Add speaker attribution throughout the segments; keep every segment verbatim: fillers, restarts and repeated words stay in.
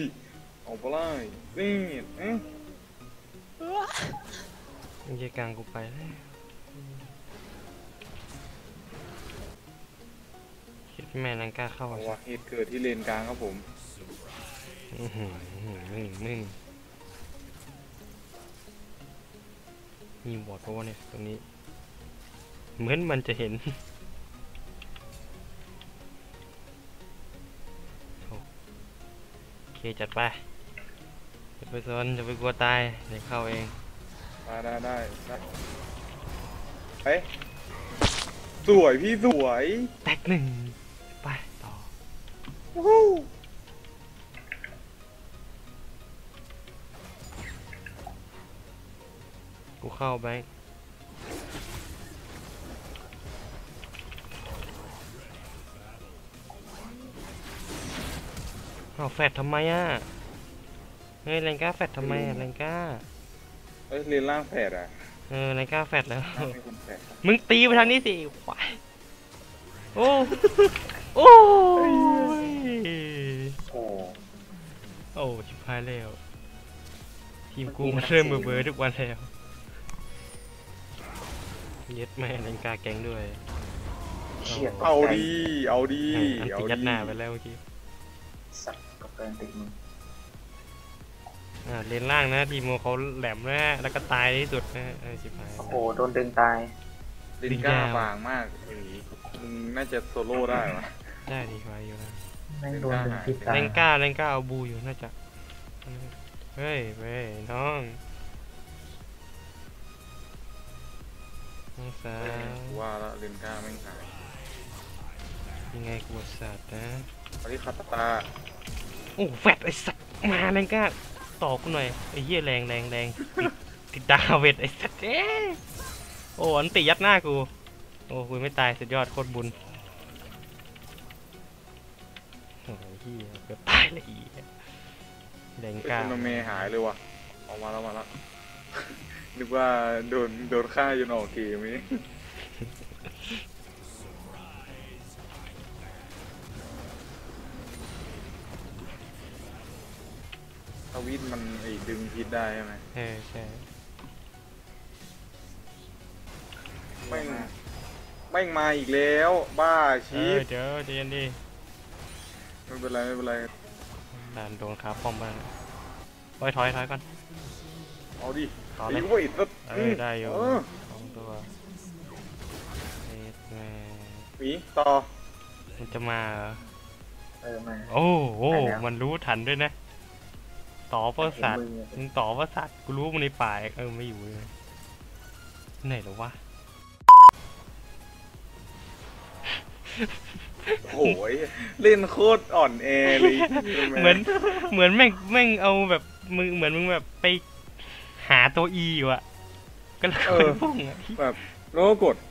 Speaker 1: เอาไปเลยนี่เอ๊ะ
Speaker 2: ยังจะกลางกูไปแล้วคิดแม่นังกล้าเข้า
Speaker 1: เอาวะเหตุเกิดที่เลนกลางครับผม
Speaker 2: อือหือนึ่งนึ่งมีบอดเพราะว่าเนี่ยตรงนี้เหมือนมันจะเห็นโอเคจัดไปจะไปซนจะไปกลัวตายเดี๋ยวเข้าเอง
Speaker 1: ได้ได้ได้ได้เฮ้ยสวยพี่สวย
Speaker 2: แตกหนึ่งไปต่อกูเข้าแบงค์เอาแฟดทำไมอ่ะเฮ้ยแรงก้าแฟดทำไมอ่ะแรงก้า
Speaker 1: เอ้ยเลนล่างแผดอ่ะ
Speaker 2: เออแรงก้าแฟดแล้วมึงตีไปทางนี้สิควายโอ้โอ้ย
Speaker 1: โอ้
Speaker 2: โอ้ชิบหายแล้วทีมกูมันเริ่มเบื่อๆทุกวันแล้วเย็ดแม่แรงก้าแก๊งด้วย
Speaker 1: เอาดีเอาดี
Speaker 2: เอาดียัดหน้าไปแล้วเมื่อกี้
Speaker 3: สัตว์กับการติดมือ
Speaker 2: อ่าเลนล่างนะทีโมเขาแหลมนะฮะแล้วก็ตายที่สุดนะเออชิบหาย
Speaker 3: โอ้โหโดนดึงตาย
Speaker 1: ลินก้าบางมากอย่างนี้มึงน่าจะโซโล่ได้วะ
Speaker 2: ได้ดีกว่าอยู่นะ
Speaker 3: แม่งโดนดึงที่ตาย
Speaker 2: เลนก้าเลนก้าเอาบูอยู่น่าจะเฮ้ยเว้ยน้องน้องสาว
Speaker 1: ว่าแล้วลินก้าไม่หาย
Speaker 2: ยังไงกูสัตว์นะ
Speaker 1: อันนี้คาตา
Speaker 2: โอ้แฟดไอสัตว์มาเลนก้าต่อกูหน่อยไอ้เหี้ยแรงแรงแรงติดดาวเวทไอสัตว์เอ๊ะโอ้อันติยัดหน้ากูโอ้กูไม่ตายสุดยอดโคตรบุญโอ้ยเหี้ยเกือบตายเลยอีแรงก้า
Speaker 1: โนเมหายเลยว่ะออกมาแล้วมาแล้วนึกว่าโดนโดนฆ่าจนออกเกมนี้ทวิตมันไอ้ดึงพิษได้ใช่ไหม
Speaker 2: เออใช่
Speaker 1: ไม่ไม่มาอีกแล้วบ้าชี
Speaker 2: พเดี๋ยวเดี๋ยวดิ
Speaker 1: ไม่เป็นไรไม่เป็นไร
Speaker 2: ด่านโดนขาป้อมบ้างถอยถอยถอยก่อน
Speaker 1: เอาดิ
Speaker 2: ต่อเลยเออได้อยู่สองตัวเอ็ดแม่
Speaker 1: หมีต่อ
Speaker 2: มันจะมาเหรอ
Speaker 3: เออมา
Speaker 2: โอ้โหมันรู้ทันด้วยนะต่อประสาทมึงต่อประสาทกูรู้มันในป่าเออไม่อยู่เลยไหนหรอวะ
Speaker 1: โอ้ยเล่นโคตรอ่อนแอเลย
Speaker 2: เหมือนเหมือนแม่งแม่งเอาแบบมึงเหมือนมึงแบบไปหาตัวอีอยู่อะก็เลยพุ่งอะ
Speaker 1: แบบโลกด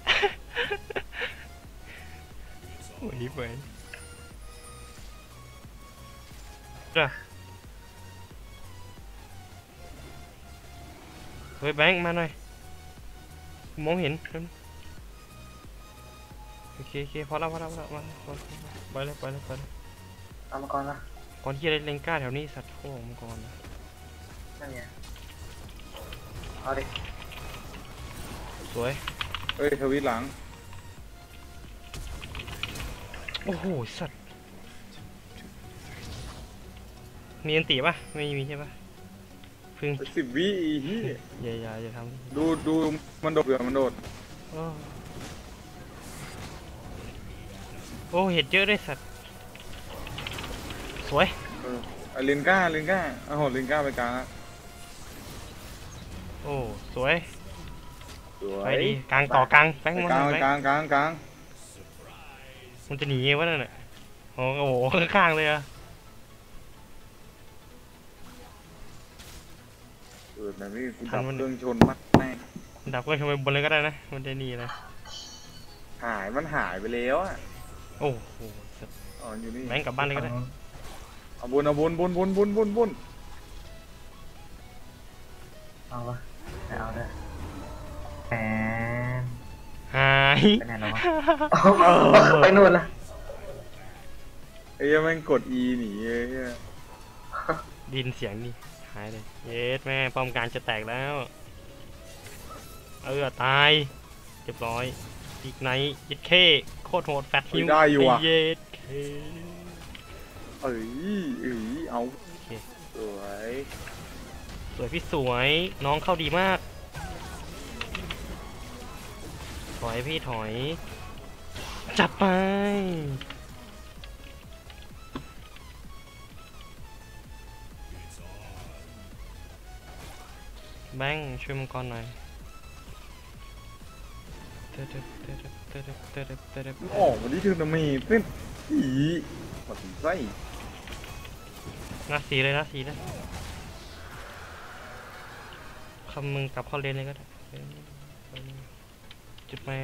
Speaker 2: โอ้ยไปจ้ะเฮ้ยแบงค์มาหน่อยมองเห็นโอเคโอเคพอแล้วพอแล้วพอแล้วมาไปเลยไปเลยไปเลย
Speaker 3: เอามาก่อนละ
Speaker 2: ก่อนที่จะเล่นก้าแถวนี้สัตว์โค้งมาก่อน
Speaker 3: นั่นไงเอาดิ
Speaker 2: สวย
Speaker 1: เฮ้ยทวิตหลัง
Speaker 2: โอ้โหสัตว์มีอันตีป่ะไม่มีใช่ป่ะพึ่ง
Speaker 1: สิบวิอีที่
Speaker 2: อย่าอย่าอย่าท
Speaker 1: ำดูดูมันโดดเดือมันโดด
Speaker 2: โอ้เห็ดเยอะด้วยสัตว์สวย
Speaker 1: เออเลนก้าเลนก้าเอาหดเลนก้าไปกลาง
Speaker 2: โอ้สวย
Speaker 1: สว
Speaker 2: ไป
Speaker 1: ย
Speaker 2: ดีกลางต่อกลางแบงค์
Speaker 1: กลางกลางกลางกลาง
Speaker 2: มันจะหนีวะนั่นน่ะโอ้โหข้างๆเลยอะ
Speaker 1: เออแบบนี้กูดับเครื่องชนมากแน่
Speaker 2: ดับเครื่องชนไปบนเลยก็ได้นะมันจะหนีนะ
Speaker 1: หายมันหายไปแล้วอ่ะ
Speaker 2: โอ้โห
Speaker 1: อ๋ออยู่นี่
Speaker 2: แบงค์กลับบ้านเลยก็ได้
Speaker 1: เอาบุญเอาบุญบุญบุญบุญบุญบุญ
Speaker 3: เอาวะเอาได้แหม
Speaker 2: หาย
Speaker 3: ไปไหนแล้ววะไปนู่นละ
Speaker 1: ไอ้ยังแม่งกด E หนีไอ้
Speaker 2: ดินเสียงนี่หายเลยเย็ดแม่ป้อมกลารจะแตกแล้วเออตายเรียบร้อยอีกไนท์ยิดเคโคตรโหดแฟตฮิว
Speaker 1: ได้อยู่อ่ะ
Speaker 2: เย็ดเค
Speaker 1: เอ้ยเอ้ยเอา
Speaker 2: โอเค
Speaker 1: สวย
Speaker 2: สวยพี่สวยน้องเข้าดีมากถอยพี่ถอยจับไปแบงค์ช่วยมังกรหน่อยเตะเตะเตะเตะเตะเตะเตะเตะ
Speaker 1: ออกมาดิเธอทำไมเต้นอีมาถึงไส้
Speaker 2: หน้าสีเลยหน้าสีเลยคำมึงกลับเข้าเลนเลยก็ได้จุดแม่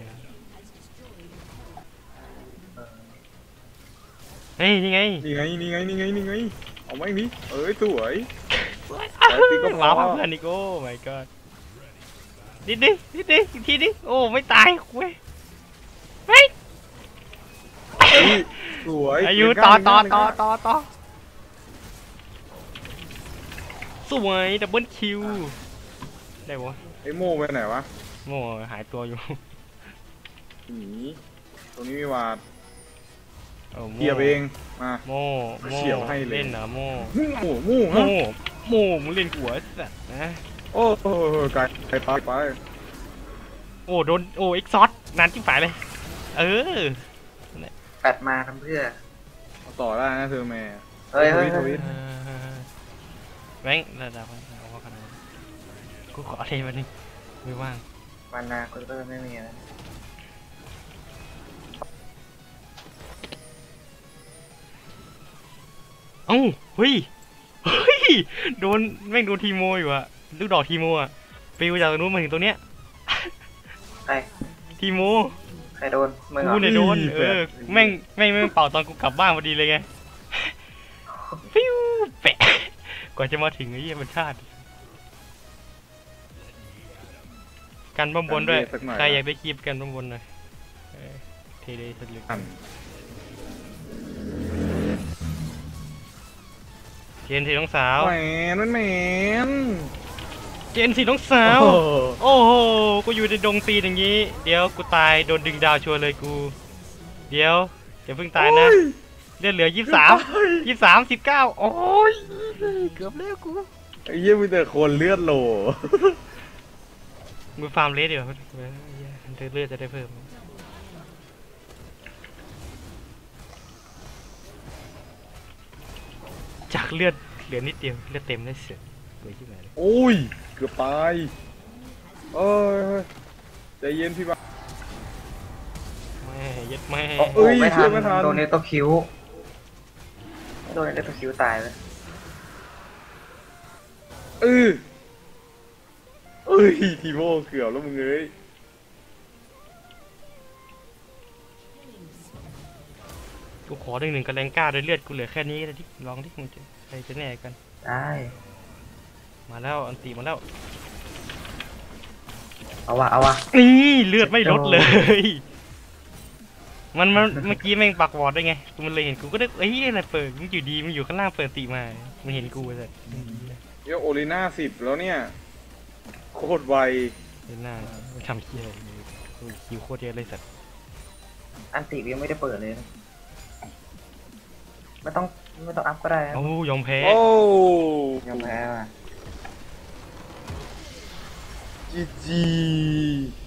Speaker 2: เฮ้ยนี่ไง
Speaker 1: นี่ไงนี่ไงนี่ไงนี่ไงเอาไหมนี่เอ้ยสวย
Speaker 2: ว้าวเพื่อนอีกโอ้ my god ดิดิดิดิอีกทีดิโอ้ไม่ตายคุยเฮ้ย
Speaker 1: เอ้ยสวย
Speaker 2: อายุต่อต่อต่อต่อต่อสวยดับเบิลคิวได้ปะ
Speaker 1: ไอ้โม่ไปไหนวะ
Speaker 2: โม่หายตัวอยู่
Speaker 1: หนีตรงนี้มีวาด
Speaker 2: โอ้โม่
Speaker 1: เกียบเองมา
Speaker 2: โม่โม่
Speaker 1: เฉียวให้เลย
Speaker 2: เล่นเหรอโม่
Speaker 1: หมู่หมู่
Speaker 2: โม่
Speaker 1: ฮะ
Speaker 2: โม่มึงเล่นหัวสัตว์นะ
Speaker 1: โอ้โหไกลไกลไปไป
Speaker 2: โอ้โดนโอ้เอ็กซอสนานจิ้มฝายเลยเออ
Speaker 3: แปดมาทำเพื่อ
Speaker 1: เอาต่อได้นะเธอแม่
Speaker 3: เฮ้ยเฮ้ย
Speaker 1: ท
Speaker 3: เฮ้
Speaker 1: วิ
Speaker 3: ย
Speaker 1: ต
Speaker 2: แบงค์ระดับเอาว่าขนาดนั้นกูขออะไรวันนี้ไม่ว่าง
Speaker 3: มานาคุณก็ไม่มีแล้ว
Speaker 2: เอ้าเฮ้ยเฮ้ยโดนแม่งโดนทีโมอยู่อะลูกดอกทีโมอะปิวจากตรงนู้นมาถึงตรงเนี้ย
Speaker 3: ใคร
Speaker 2: ทีโม
Speaker 3: ใครโดนมึงเหรอ
Speaker 2: กูเนี่ยโดนเออแม่งแม่งแม่งเป่าตอนกูกลับบ้านพอดีเลยไงฟิวแปะกว่าจะมาถึงไอ้เหี้ยมันชาติกันบ้มบนด้วยใครอยากได้คลิปกันบ้มบนหน่อยเออเทเลยสุดเลย
Speaker 1: อัน
Speaker 2: เจนสีน้องสาว
Speaker 1: แหมนั่นแหมน
Speaker 2: เจนสีน้องสาว
Speaker 1: โอ้โห
Speaker 2: โอ้โห กูอยู่ในดงตีนอย่างนี้ เดี๋ยวกูตายโดนดึงดาวชัวร์เลยกู เดี๋ยวอย่าเพิ่งตายนะ เลือดเหลือยี่สิบสามยี่สิบสามสิบเก้าโอ้ย เกือบแล้วกู
Speaker 1: ไอ้เหี้ยมีแต่คนเลือดโหล
Speaker 2: มือฟาร์มเลสเดี๋ยวเลือดจะได้เพิ่ม จากเลือดเหลือนิดเดียวเลือดเต็มได้เสียสวยที่ไหนเลย
Speaker 1: โอ้ยเกือบตายเอ้ยใจเย็นพี่บ้า
Speaker 2: แม่ยัดแม่
Speaker 1: เอ้
Speaker 3: โอ้
Speaker 1: ย
Speaker 3: ไม่ทัน
Speaker 1: ไม่ทัน
Speaker 3: โดนเนตโตคิวโดนเนตโตคิวตายเลย
Speaker 1: เออเอ้ยทีโม่เกือบแล้วมึงเอ้ย
Speaker 2: กูขอหนึ่งหนึ่งกับแรงกล้าด้วยเลือดกูเหลือแค่นี้เลยที่ลองที่มึงจะใครจะแน่กัน
Speaker 3: ได้
Speaker 2: มาแล้วอันตีมาแล้ว
Speaker 3: เอาวะเอาวะ
Speaker 2: นี่เลือดไม่ลดเลย มันมันเมื่อกี้แม่งปักวอร์ดได้ไงกูมันเลยเห็นกูก็ได้เอ้ยอะไรเปิดมันอยู่ดีมันอยู่ข้างล่างเปิดตีมามันเห็นกูเลย
Speaker 1: เดี๋ยวโอลิน่าสิบแล้วเนี่ยโคตรไว
Speaker 2: เห็นหน้ามันทำเคี้ยอะไรโอ้ยคิวโคตรเยอะเลยสัตว์
Speaker 3: อันติยังไม่ได้เปิดเลยนะไม่ต้องไม่ต้องอัพก็ได้นะ
Speaker 2: โอ้ยอมแพ้
Speaker 1: โอ้
Speaker 3: ยอมแพ้ว่ะ
Speaker 1: จีจี